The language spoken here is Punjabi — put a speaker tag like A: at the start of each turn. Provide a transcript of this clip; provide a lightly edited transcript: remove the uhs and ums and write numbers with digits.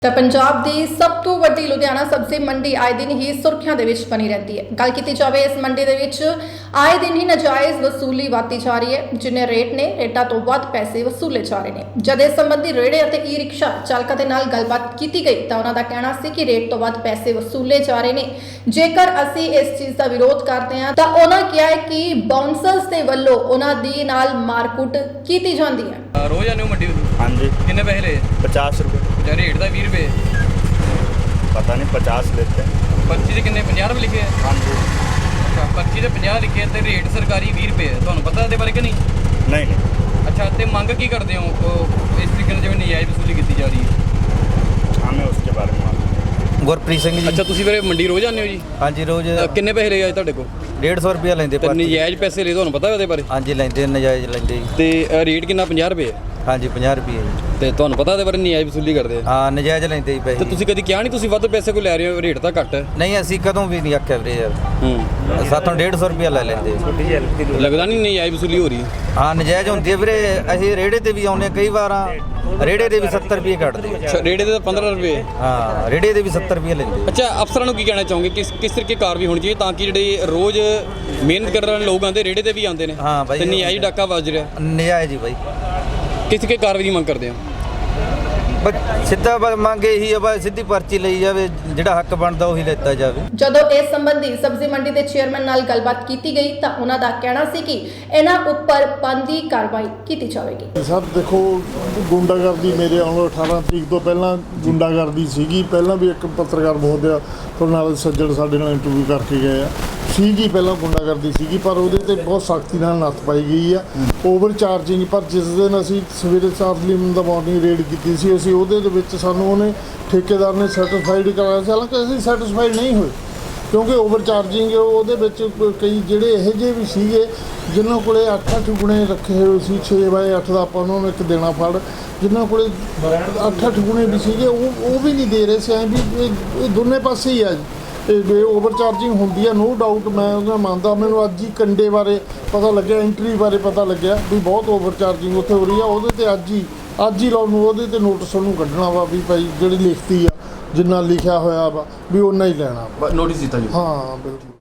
A: ਤਾਂ ਪੰਜਾਬ ਦੀ ਸਭ ਤੋਂ ਵੱਡੀ ਲੁਧਿਆਣਾ ਸਬਜ਼ੀ ਮੰਡੀ ਆਏ ਦਿਨ ਹੀ ਸੁਰਖੀਆਂ ਦੇ ਵਿੱਚ ਬਣੀ ਰਹਿੰਦੀ ਹੈ। ਗੱਲ ਕੀਤੀ ਜਾਵੇ ਇਸ ਮੰਡੀ ਦੇ ਵਿੱਚ ਆਏ ਦਿਨ ਹੀ ਨਾਜਾਇਜ਼ ਵਸੂਲੀ ਵਧਦੀ ਜਾ ਰਹੀ ਹੈ। ਜਿੰਨੇ ਰੇਟ ਨੇ ਰੇਟਾਂ ਤੋਂ ਵੱਧ ਪੈਸੇ ਵਸੂਲੇ ਜਾ ਰਹੇ ਨੇ। ਜਦ ਇਸ ਸੰਬੰਧੀ ਰੇੜੇ ਅਤੇ ਈ ਰਿਕਸ਼ਾ ਚਾਲਕਾਂ ਦੇ ਨਾਲ ਗੱਲਬਾਤ ਕੀਤੀ ਗਈ ਤਾਂ ਉਹਨਾਂ ਦਾ ਕਹਿਣਾ ਸੀ ਕਿ ਰੇਟ ਤੋਂ ਵੱਧ ਪੈਸੇ ਵਸੂਲੇ ਜਾ ਰਹੇ ਨੇ। ਜੇਕਰ ਅਸੀਂ ਇਸ ਚੀਜ਼ ਦਾ ਵਿਰੋਧ ਕਰਦੇ ਹਾਂ ਤਾਂ ਉਹਨਾਂ ਕਿਹਾ ਹੈ ਕਿ ਬਾਉਂਸਰਸ ਦੇ ਵੱਲੋਂ ਉਹਨਾਂ ਦੀ ਨਾਲ ਮਾਰਕੁੱਟ ਕੀਤੀ ਜਾਂਦੀ ਹੈ।
B: रोज आने मंडी
C: हाँ जी
B: कितने पैसे ले
C: 50 रुपये
B: रेट का 20 रुपये
C: पता नहीं 50 लेते हैं।
B: पर्ची से कितने 50 रुपये लिखे है।
C: हाँ जी
B: अच्छा पर्ची से 50 लिखे तो रेट सरकारी 20 रुपये है। ਤੁਹਾਨੂੰ ਪਤਾ ਇਹਦੇ ਬਾਰੇ ਕਿ ਨਹੀਂ?
C: नहीं
B: ਅੱਛਾ ਤੇ ਮੰਗ ਕੀ ਕਰਦੇ ਹੋ ਇਸ ਤਰੀਕੇ ਨਾਲ ਜਿਵੇਂ ਨਜਾਇਜ਼ ਵਸੂਲੀ ਕੀਤੀ ਜਾ ਰਹੀ ਹੈ?
C: हमें उसके बारे में मालूम
D: ਗੁਰਪ੍ਰੀਤ ਸਿੰਘ ਜੀ।
B: ਅੱਛਾ ਤੁਸੀਂ ਫਿਰ ਮੰਡੀ ਰੋਜ਼ ਆਉਂਦੇ ਹੋ ਜੀ?
D: ਹਾਂਜੀ ਰੋਜ਼
B: ਕਿੰਨੇ ਪੈਸੇ ਲਏ ਅੱਜ ਤੁਹਾਡੇ ਕੋਲ?
D: 150 ਰੁਪਿਆ ਲੈਂਦੇ
B: ਤੇ
D: ਪਰਚੀ।
B: ਨਜਾਇਜ਼ ਪੈਸੇ ਲਏ ਤੁਹਾਨੂੰ ਪਤਾ ਉਹਦੇ ਬਾਰੇ?
D: ਹਾਂਜੀ ਲੈਂਦੇ ਨਜਾਇਜ਼ ਲੈਂਦੇ ਜੀ।
B: ਤੇ ਰੇਟ ਕਿੰਨਾ 50 ਰੁਪਏ ਹੈ?
D: ਹਾਂਜੀ 50 ਰੁਪਏ ਜੀ।
B: ਤੇ ਤੁਹਾਨੂੰ ਪਤਾ ਉਹਦੇ ਬਾਰੇ ਨਜਾਇਜ਼ ਵਸੂਲੀ ਕਰਦੇ ਆ?
D: ਹਾਂ ਨਜਾਇਜ਼ ਲੈਂਦੇ ਜੀ
B: ਤੇ
D: ਪੈਸੇ।
B: ਤੁਸੀਂ ਕਦੀ ਕਿਹਾ ਨਹੀਂ ਤੁਸੀਂ ਵੱਧ ਪੈਸੇ ਕੋਈ ਲੈ ਰਹੇ ਹੋ ਰੇਟ ਤਾਂ ਘੱਟ ਹੈ?
D: ਨਹੀਂ ਅਸੀਂ ਕਦੋਂ ਵੀ ਨਹੀਂ ਆਖਿਆ ਵੀਰੇ ਯਾਰ।
B: ਹੂੰ
D: ਸਾਤੋਂ 150 ਰੁਪਿਆ ਲੈ ਲੈਂਦੇ।
B: ਲੱਗਦਾ ਨਹੀਂ ਨਜਾਇਜ਼ ਵਸੂਲੀ ਹੋ ਰਹੀ?
D: ਹਾਂ ਨਜਾਇਜ਼ ਹੁੰਦੀ ਹੈ ਵੀਰੇ। ਅਸੀਂ ਰੇੜੇ ਤੇ ਵੀ ਆਉਂਦੇ ਕਈ ਵਾਰਾਂ ਰੇੜੇ ਦੇ ਵੀ 70 ਰੁਪਏ ਕੱਟਦੇ।
B: ਅੱਛਾ ਰੇਟ ਦੇ ਤਾਂ 15 ਰੁਪਏ?
D: ਹਾਂ ਰੇੜੇ ਦੇ ਵੀ 70 ਰੁਪਏ ਲੈਂਦੇ।
B: ਅੱਛਾ ਅਫਸਰਾਂ ਨੂੰ ਕੀ ਕਹਿਣਾ ਚਾਹੋਗੇ ਕਿਸ ਤਰੀਕੇ ਕਾਰਵਾਈ ਹੋਣੀ ਚਾਹੀਏ ਤਾਂ ਕਿ ਜਿਹੜੇ ਰੋਜ਼ ਮਿਹਨਤ ਕਰਨ ਵਾਲੇ ਲੋਕ ਆਉਂਦੇ ਰੇੜੇ ਤੇ ਵੀ ਆਉਂਦੇ ਨੇ
D: ਹਾਂ ਬਾਈ
B: ਤੇ ਨਜਾਇਜ਼ ਡਾਕਾ ਵੱਜ ਰਿਹਾ
D: ਨਜਾਇਜ਼ ਹੀ ਬਾਈ।
B: ਕਿਸ ਤਰੀਕੇ ਕਾਰਵਾਈ ਦੀ ਮੰਗ ਕਰਦੇ ਹੋ?
D: ਬਸ ਸਿੱਧਾ ਮੰਗ ਇਹੀ ਆ ਬਸ ਸਿੱਧੀ ਪਰਚੀ ਲਈ ਜਾਵੇ, ਜਿਹੜਾ ਹੱਕ ਬਣਦਾ ਉਹੀ ਲੈਤਾ ਜਾਵੇ।
A: ਜਦੋਂ ਇਸ ਸੰਬੰਧੀ ਸਬਜ਼ੀ ਮੰਡੀ ਦੇ ਚੇਅਰਮੈਨ ਨਾਲ ਗੱਲਬਾਤ ਕੀਤੀ ਗਈ ਤਾਂ ਉਹਨਾਂ ਦਾ ਕਹਿਣਾ ਸੀ ਕਿ ਇਹਨਾਂ ਉੱਪਰ ਬਣਦੀ ਕਾਰਵਾਈ ਕੀਤੀ ਜਾਵੇਗੀ।
E: ਸਰ ਦੇਖੋ ਗੁੰਡਾਗਰਦੀ ਮੇਰੇ ਆਉਣ 18 ਤਰੀਕ ਤੋਂ ਪਹਿਲਾਂ ਗੁੰਡਾਗਰਦੀ ਸੀਗੀ। ਪਹਿਲਾਂ ਵੀ ਇੱਕ ਪੱਤਰਕਾਰ ਮਹੋਦਿਆ ਨਾਲ ਸੱਜਣ ਸਾਡੇ ਨਾਲ ਇੰਟਰਵਿਊ ਕਰਕੇ ਗਏ ਆ ਸੀਗੀ। ਪਹਿਲਾਂ ਗੁੰਡਾਗਰਦੀ ਸੀਗੀ ਪਰ ਉਹਦੇ ਤੇ ਬਹੁਤ ਸਖਤੀ ਨਾਲ ਨੱਥ ਪਾਈ ਗਈ ਆ। ਓਵਰ ਚਾਰਜਿੰਗ ਪਰ ਜਿਸ ਦਿਨ ਅਸੀਂ ਸਵੇਰੇ ਚਾਰਲੀ ਦਾ ਮਾਰਨਿੰਗ ਰੇਡ ਕੀਤੀ ਸੀ ਅਸੀਂ ਉਹਦੇ ਦੇ ਵਿੱਚ ਸਾਨੂੰ ਉਹਨੇ ਠੇਕੇਦਾਰ ਨੇ ਸੈਟੀਸਫਾਈਡ ਕਰਾਇਆ ਸੀ। ਹਾਲਾਂਕਿ ਅਸੀਂ ਸੈਟੀਸਫਾਈਡ ਨਹੀਂ ਹੋਏ ਕਿਉਂਕਿ ਓਵਰ ਚਾਰਜਿੰਗ ਉਹਦੇ ਵਿੱਚ ਕਈ ਜਿਹੜੇ ਇਹੋ ਜਿਹੇ ਵੀ ਸੀਗੇ ਜਿਨ੍ਹਾਂ ਕੋਲੇ 8-8 ਗੁਣੇ ਰੱਖੇ ਹੋਏ ਸੀ 6/8 ਦਾ ਆਪਾਂ ਉਹਨਾਂ ਨੂੰ ਇੱਕ ਦੇਣਾ ਫੜ। ਜਿਨ੍ਹਾਂ ਕੋਲੇ 8-8 ਗੁਣੇ ਵੀ ਸੀਗੇ ਉਹ ਵੀ ਨਹੀਂ ਦੇ ਰਹੇ ਸੀ। ਐਂ ਵੀ ਇਹ ਦੋਨੇ ਪਾਸੇ ਹੀ ਆ ਜੀ। ਇਹ ਓਵਰ ਚਾਰਜਿੰਗ ਹੁੰਦੀ ਆ ਨੋ ਡਾਊਟ। ਮੈਂ ਉਹਦਾ ਮੰਨਦਾ। ਮੈਨੂੰ ਅੱਜ ਹੀ ਕੰਡੇ ਬਾਰੇ ਪਤਾ ਲੱਗਿਆ ਐਂਟਰੀ ਬਾਰੇ ਪਤਾ ਲੱਗਿਆ ਵੀ ਬਹੁਤ ਓਵਰ ਚਾਰਜਿੰਗ ਉੱਥੇ ਹੋ ਰਹੀ ਆ। ਉਹਦੇ ਤੇ ਅੱਜ ਹੀ ਲਾਉਣ ਨੂੰ ਉਹਦੇ ਤੇ ਨੋਟਿਸ ਉਹਨੂੰ ਕੱਢਣਾ ਵਾ ਵੀ ਭਾਈ ਜਿਹੜੀ ਲਿਖਤੀ ਆ ਜਿੰਨਾ ਲਿਖਿਆ ਹੋਇਆ ਵਾ ਵੀ ਉਹਨਾਂ ਹੀ ਲੈਣਾ।
B: ਨੋਟਿਸ ਦਿੱਤਾ ਜੀ?
E: ਹਾਂ ਬਿਲਕੁਲ।